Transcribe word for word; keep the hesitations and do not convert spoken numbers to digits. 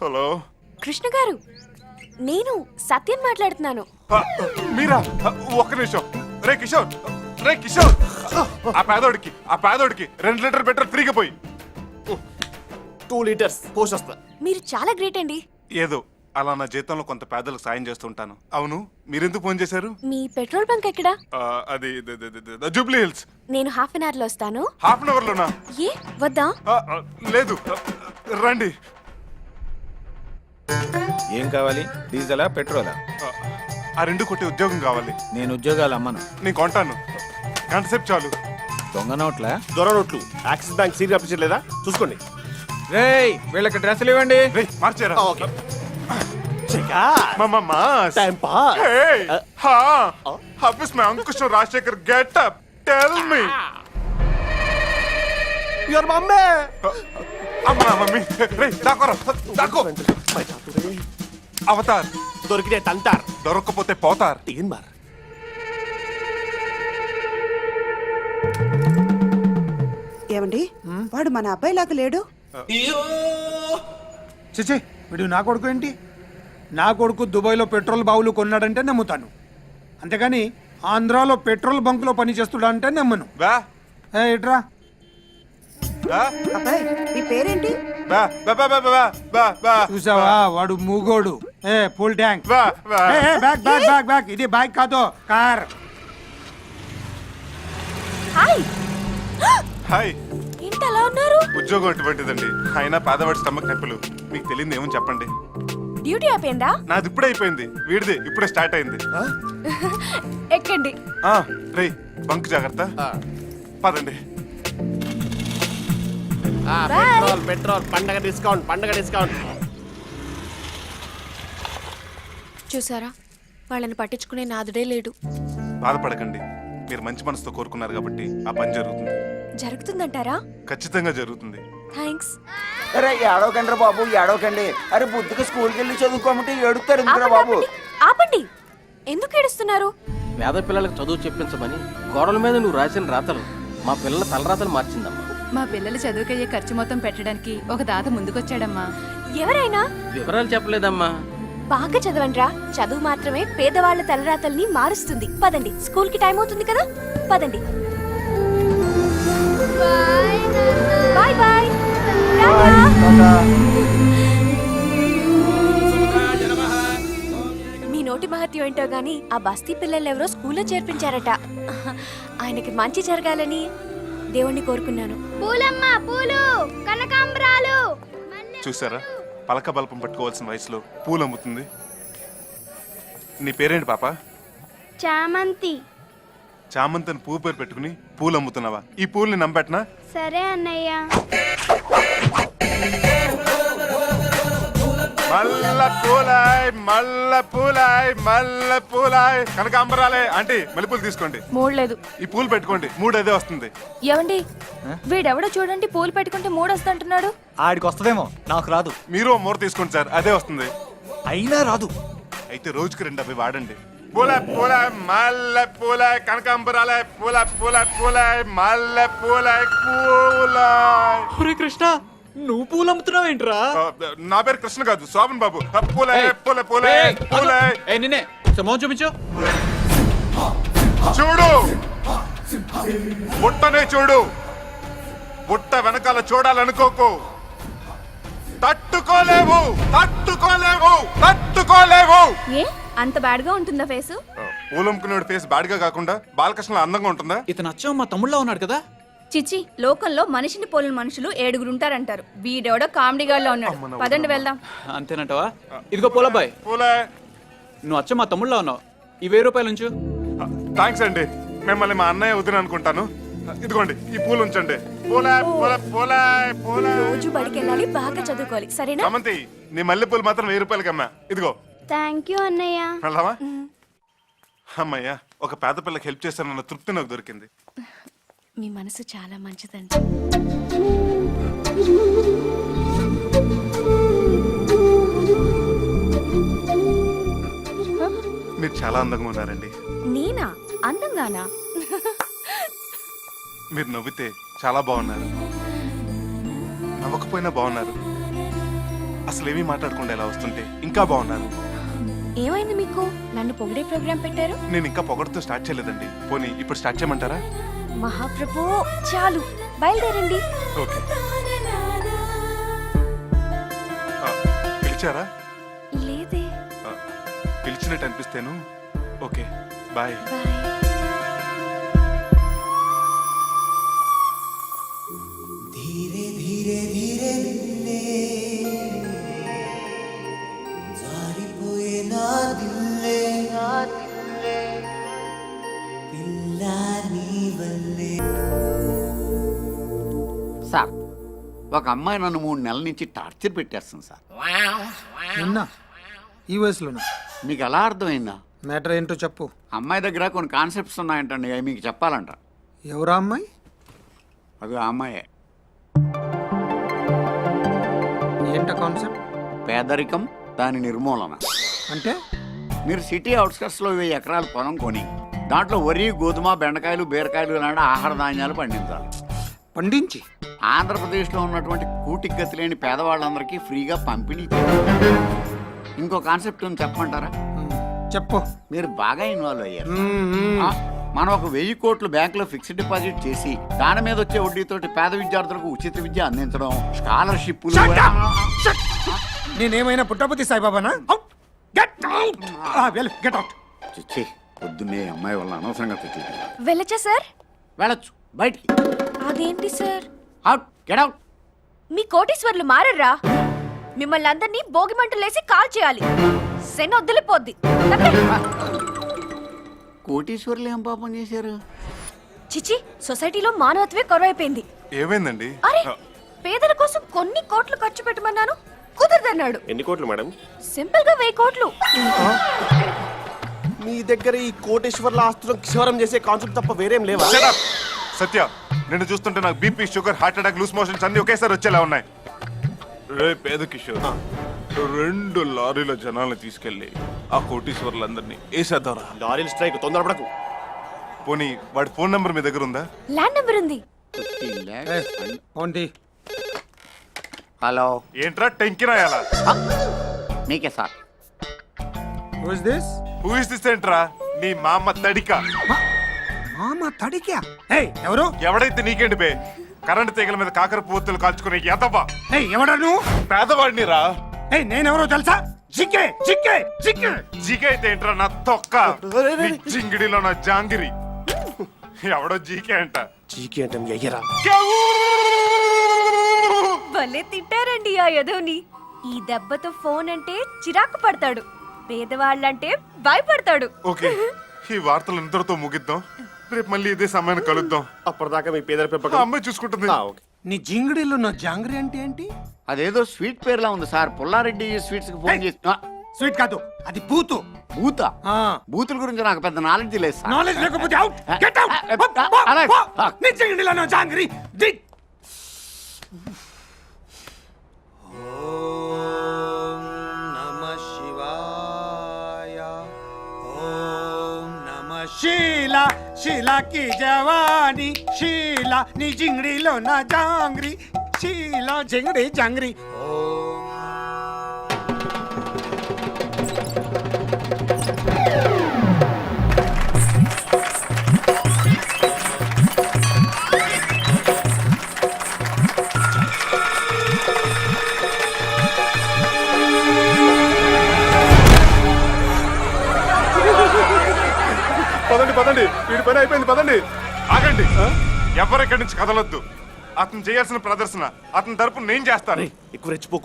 Hello Krishna గారు, నేను సత్యం మాట్లాడుతున్నాను. మీరా? ఒక్క నిమిషం. రే కిషోర్, రే కిషోర్, ఆ పేదోడికి ఆ పేదోడికి రెండు లీటర్ పెట్రోల్ ఫ్రీగా పోయి. టూ లీటర్స్ పోషొస్తా. మీరు చాలా గ్రేట్ అండి. ఏదో అలా నా జీతంలో కొంత పేదలకు సాయం చేస్తుంటాను. అవును, మీరెందుకు ఫోన్ చేశారు? మీ పెట్రోల్ బంక్ ఎక్కడా? ఆ, అది ద- ద- ద- ద- జూబ్లీ హిల్స్. నేను హాఫ్ అన్ అవర్ లో వస్తాను. హాఫ్ అన్ అవర్ లోనా? ఏ వద్దా? ఆ, ఆ, లేదు, రండి. ఏం కావాలి? డీజిలా పెట్రోలా? ఆ, ఆ రెండు కొట్టి ఉద్యోగం కావాలి. నేను ఉద్యోగాలు అమ్మను. నేను కొంటాను, గంట సేపు చాలు. దొంగ నోట్లా? దొర నోట్లు. యాక్సిస్ బ్యాంక్ సీరియల్ అప్లికేషన్ లేదా చూసుకోండి. రేయ్ వీళ్ళకి డ్రెస్సులు ఇవ్వండి. రే మార్చారా? ఓకే. చెకా మామా mass. Time pass. Hey, ha, how is my Ankush and Rajshekhar? Get up, tell me. Your mummy. అమ్మా మమ్మీ, రే దాకోరా, దాకో. అవతార్ దొరికితే తంతార్. దొరక్కపోతే పోతార్. తీన్ మార్. ఏమండి, వాడు మన అబ్బాయి లాగా లేడు. చిచి వీడు నా కొడుకు ఏంటి? నా కొడుకు దుబాయ్లో పెట్రోల్ బావులు కొన్నాడంటే నమ్ముతాను, అంతేగాని ఆంధ్రాలో పెట్రోల్ బంకులో పని చేస్తుడా అంటే నమ్మను. బా ఏ ఇట్రా. బా అబ్బాయి, నీ పేరేంటి? బా బా బా బా బా బా బా. చూసావా వాడు మూగోడు. ఏ ఫుల్ ట్యాంక్. బా బా. ఏ ఏ, బ్యాక్ బ్యాక్ బ్యాక్ బ్యాక్. ఇది బైక్ కాదు, కార్. హాయ్. హాయ్. ఏంటి అలా ఉన్నారు? ఉద్యోగం అటువంటిదండి. అయినా పేదవాడి స్టమక్ నొప్పులు. మీకు తెలియదు ఏమని చెప్పండి. డ్యూటీ అయిపోయిందా? నాది ఇప్పుడే అయిపోయింది, వీడిది ఇప్పుడే స్టార్ట్ అయింది. ఎక్కండి. ఆ, రే బంక్ జాగ్రత్త. పదండి. ఆ, Bye. పెట్రోల్ పెట్రోల్ పండగ డిస్కౌంట్ పండగ డిస్కౌంట్. చూసారా, వాళ్ళని పట్టించుకునే నాదుడే లేడు. బాధపడకండి, మీరు మంచి మనసుతో కోరుకున్నారు కాబట్టి ఆ పని జరుగుతుంది. జరుగుతుందంటారా? ఖచ్చితంగా జరుగుతుంది. థ్యాంక్స్. అరే ఏడవకండి బాబు, ఏడవకండి. అరే బుద్ధికి స్కూల్కి వెళ్ళి చదువుకోమంటే ఏడుస్తారు ఎందుకురా బాబు? ఆపండి, ఆపండి. ఎందుకు ఏడుస్తున్నారు? పేద పిల్లలకు చదువు చెప్పించమని గోడల మీద నువ్వు రాసిన రాతలు మా పిల్లల తలరాతలు మార్చిందమ్మా. మా పిల్లల చదువుకయ్యే ఖర్చు మొత్తం పెట్టడానికి ఒక దాత ముందుకొచ్చాడమ్మా. ఎవరైనా? వివరాలు చెప్పలేదమ్మా. బాగా చదవండ్రా. చదువు మాత్రమే పేదవాళ్ల తలరాతల్ని మారుస్తుంది. పదండి, స్కూల్ కి టైం అవుతుంది కదా. పదండి. Bye bye. మీ నోటి మహత్యం ఏంటో గాని ఆ బస్తీ పిల్లలు ఎవరో స్కూల్లో చేర్పించారట. ఆయనకి మంచి జరగాలని దేవుణ్ణి కోరుకున్నాను. పూలమ్మ పూలు, కనకాంబరాలు. చూసారా, పలక బల్పం పట్టుకోవాల్సిన వయసులో పూలు అమ్ముతుంది. నీ పేరేంటి పాప? చామంతి. చామంతిని పువ్వు పేరు పెట్టుకుని పూలు అమ్ముతున్నావా? ఈ పూల్ని నమ్మెట్నా? సరే అన్నయ్య. మల్ల పూలాయ్ మల్ల పూలాయ్ మల్ల పూలాయ్ కనకాంబరాలే. ఆంటీ మల్లెపూలు తీసుకోండి. మూడలేదు. ఈ పూలు పెట్టుకోండి, మూడు అదే వస్తుంది. ఏవండి, వీడెవడో చూడండి పూలు పెట్టుకుంటే మూడు వస్తుంటున్నాడు. ఆడికి వస్తుందేమో, నాకు రాదు. మీరు ఓ మూర తీసుకోండి సార్, అదే వస్తుంది. అయినా రాదు. అయితే రోజుకి రెండు అవి వాడండి. పూల పూల మల్ల పూల కనకాంబరాలే పూల పూల పూల మల్ల పూల పూల. కృష్ణ, నువ్వు పూలు అమ్ముతున్నావు ఏంట్రా? ఆ, నా పేరు కృష్ణ కాదు, శోభన్ బాబు. ఆ, పూలే పూల పూలే పూలే. నిన్నే సమోహం చూపించు. చూడు, బుట్టనే చూడు. బుట్ట వెనకాల చూడాలనుకోకు. తట్టుకోలేవు తట్టుకోలేవు తట్టుకోలేవు. ఏ అంత బ్యాడ్ గా ఉంటుందా ఫేసు? పూలమ్ముకునేవాడి ఫేస్ బాడిగా కాకుండా బాలకృష్ణ అందంగా ఉంటుందా? ఇతను అచ్చం మా తమ్ముళ్ళ ఉన్నాడు కదా. చిచి, లోకంలో మనిషిని పోలిన మనుషులు ఏడుగురు ఉంటారంటారు. వీడెవడో కామెడీగాళ్ళలో ఉన్నాడు. పదండి వెళ్దాం. అంతేనంటవా? ఇదిగో పూలబ్బాయ్, పూలే. నువ్వు అచ్చం మా తమ్ముళ్ళ ఉన్నావు. ఈ వెయ్యి రూపాయలు ఉంచు. థ్యాంక్స్ అండి, మిమ్మల్ని మా అన్నయ్య వదిన అనుకుంటాను. ఇదిగోండి ఈ పూలు ఉంచండి. పూలే పూల పూలే పూలే. రోజు బడికి వెళ్ళాలి, బాగా చదువుకోవాలి. సరేనా? సమంతి, నీ మల్లె పూలు మాత్రం వెయ్యి రూపాయలకి అమ్మా. ఇదిగో. థ్యాంక్ యూ అన్నయ్య. వెళ్దామా? అమ్మయ్యా, ఒక పేద పిల్లకి హెల్ప్ చేశానన్న తృప్తి నాకు దొరికింది. మీ మనసు చాలా మంచిదండి. మీరు చాలా అందంగా ఉన్నారండి. నేనా అందంగానా? మీరు నవ్వితే చాలా బాగున్నారు, నవ్వకపోయినా బాగున్నారు. అసలు ఏమీ మాట్లాడకుండా ఎలా వస్తుంటే ఇంకా బాగున్నాను. ఏమైంది మీకు? నన్ను పొగిడే ప్రోగ్రాం పెట్టారు. నేను ఇంకా పొగడుతూ స్టార్ట్ చేయలేదండి. పోనీ ఇప్పుడు స్టార్ట్ చేయమంటారా? మహాప్రభు చాలు, బయలుదేరండి. ఓకే. ఆ, పిలిచారా? లేదే. ఆ, పిలిచినట్టు అనిపిస్తేను. Okay, bye. బాయ్. సార్, ఒక అమ్మాయి నన్ను మూడు నెలల నుంచి టార్చర్ పెట్టేస్తుంది సార్. నిన్న ఈ వయసులోనా? మీకు ఎలా అర్థమైందా? మ్యాటర్ ఏంటో చెప్పు. అమ్మాయి దగ్గర కొన్ని కాన్సెప్ట్స్ ఉన్నాయంటండి, అవి మీకు చెప్పాలంట. ఎవరా అమ్మాయి? అది ఆ అమ్మాయే. ఏంట కాన్సెప్ట్? పేదరికం, దాని నిర్మూలన. అంటే మీరు సిటీ అవుట్స్కట్స్లో వెయ్యి ఎకరాల పొలం కొని దాంట్లో వరి, గోధుమ, బెండకాయలు, బీరకాయలు లాంటి ఆహార ధాన్యాలు పండించాలి. పండించి ఆంధ్రప్రదేశ్లో ఉన్నటువంటి కూటికి గతి లేని పేదవాళ్ళందరికీ ఫ్రీగా పంపిణీ చేయాలి. ఇంకో కాన్సెప్ట్ ఉంది, చెప్పమంటారా? మ్, చెప్పు. మీరు బాగా ఇన్వాల్వ్ అయ్యారు. మ్, మ్. ఆ, మనం ఒక వెయ్యి కోట్లు బ్యాంకులో ఫిక్స్డ్ డిపాజిట్ చేసి దాని మీద వచ్చే వడ్డీతోటి పేద విద్యార్థులకు ఉచిత విద్య అందించడం, స్కాలర్షిప్లు. నేనేమైనా పుట్టపతి సాయిబాబానా? Get out! Get out! చిచ్చి, పొద్దున్నే అమ్మాయి వల్ల అనవసరంగా తిట్లు. వెళ్ళచ్చా సార్? వెళ్ళొచ్చు, బయటికి. అదేంటి సార్? Out, get out. మీ కోటీశ్వర్లు మారర్రా? మిమ్మల్ని అందరినీ భోగి మంటలేసి కాల్ చేయాలి. శని వదిలిపోద్ది. కోటీశ్వర్లు ఏం పాపం చేశారు? చిచి, సొసైటీలో మానవత్వే కరువైపోయింది. ఏమైందండి? అరే, పేదల కోసం కొన్ని కోట్లు ఖర్చు పెట్టమన్నాను, కుదరదన్నాడు. ఎన్ని కోట్లు మేడం? సింపుల్ గా వెయ్యి కోట్లు. మీ దగ్గర ఈ కోటేశ్వర్ల ఆస్తులను క్షవరం చేసే కాన్సెప్ట్ తప్ప వేరేం లేవా? Shut up! సత్య, నిన్ను చూస్తుంటే నాకు BP, sugar, heart attack, loose motions అన్ని ఒకేసారి వచ్చేలా ఉన్నాయి. రే పేద కిషోర్, రెండు లారీల జనాల్ని తీసుకెళ్లి ఆ కోటీశ్వర్లందరినీ వేసేద్దారా? లారీల స్ట్రైక్, తొందరపడకు. పోనీ వాడి ఫోన్ నంబర్ మీ దగ్గర ఉందా? ల్యాండ్ నెంబర్ ఉంది. ఏంటి? హలో, ఏంట్రా టెంకి రాయాలా? మీకే sir. Who is this? Who is this ఏంట్రా? నీ మామ తడిక. మామ తడికా? ఏయ్, ఎవరు? ఎవడైతే నీకేంటి బే? కరెంట్ తీగల మీద కాకర పువ్వులు కాల్చుకునే ఎదవా. ఏయ్, ఎవడా నువ్వు? పేదవాడిని రా. ఏయ్, నేనెవరో తెలుసా? జిక్కే జిక్కే జిక్కే జీకే అయితే ఏంట్రా నా తొక్క? నీ జింగిడిలో నా జాంగిరి. ఎవడో జీకే అంట. చీకి అంటే మీ అయ్యరా? భలే తిట్టారండి ఆ యదోని. ఈ దెబ్బతో ఫోన్ అంటే చిరాకు పడతాడు, పేదవాళ్ళంటే భయపడతాడు. ఓకే, ఈ వార్తలు ఇంతటితో ముగిద్దాం. రేపు మళ్ళీ ఇదే సమయాన్ని కలుద్దాం. అప్పటిదాకా మీ పేదల ఆ పెంపకం అమ్మాయి చూసుకుంటుంది. ఆ, ఓకే. నీ జింగిడిలో నా జాంగ్రీ అంటే ఏంటి? అదేదో స్వీట్ పేర్లా ఉంది సార్. పుల్లారెడ్డి స్వీట్స్ కి ఫోన్ చేసి. ఆ, స్వీట్ కాదు, అది బూతు. బూత. ఆ. బూతుల గురించి నాకు పెద్ద నాలెడ్జ్ లేదు సార్. నాలెడ్జ్ లేకపోతే అవుట్. Get out! అలాగే. నీ జింగిడిలో నా జాంగ్రీ. ది ఓం నమః శివాయ. ఓం నమః శీలా, శీలా కి జవానీ, శీలా నీ జింగిడిలో నా జాంగ్రీ, శీలా జింగిడి జాంగ్రీ. ఓం పదండి పదండి, వీడి పని అయిపోయింది, పదండి. ఆగండి, ఎవరెక్కడి నుంచి కదలొద్దు. అతను చేయాల్సిన ప్రదర్శన అతని తరపున నేను చేస్తాను. ఎక్కువ రెచ్చిపోకు.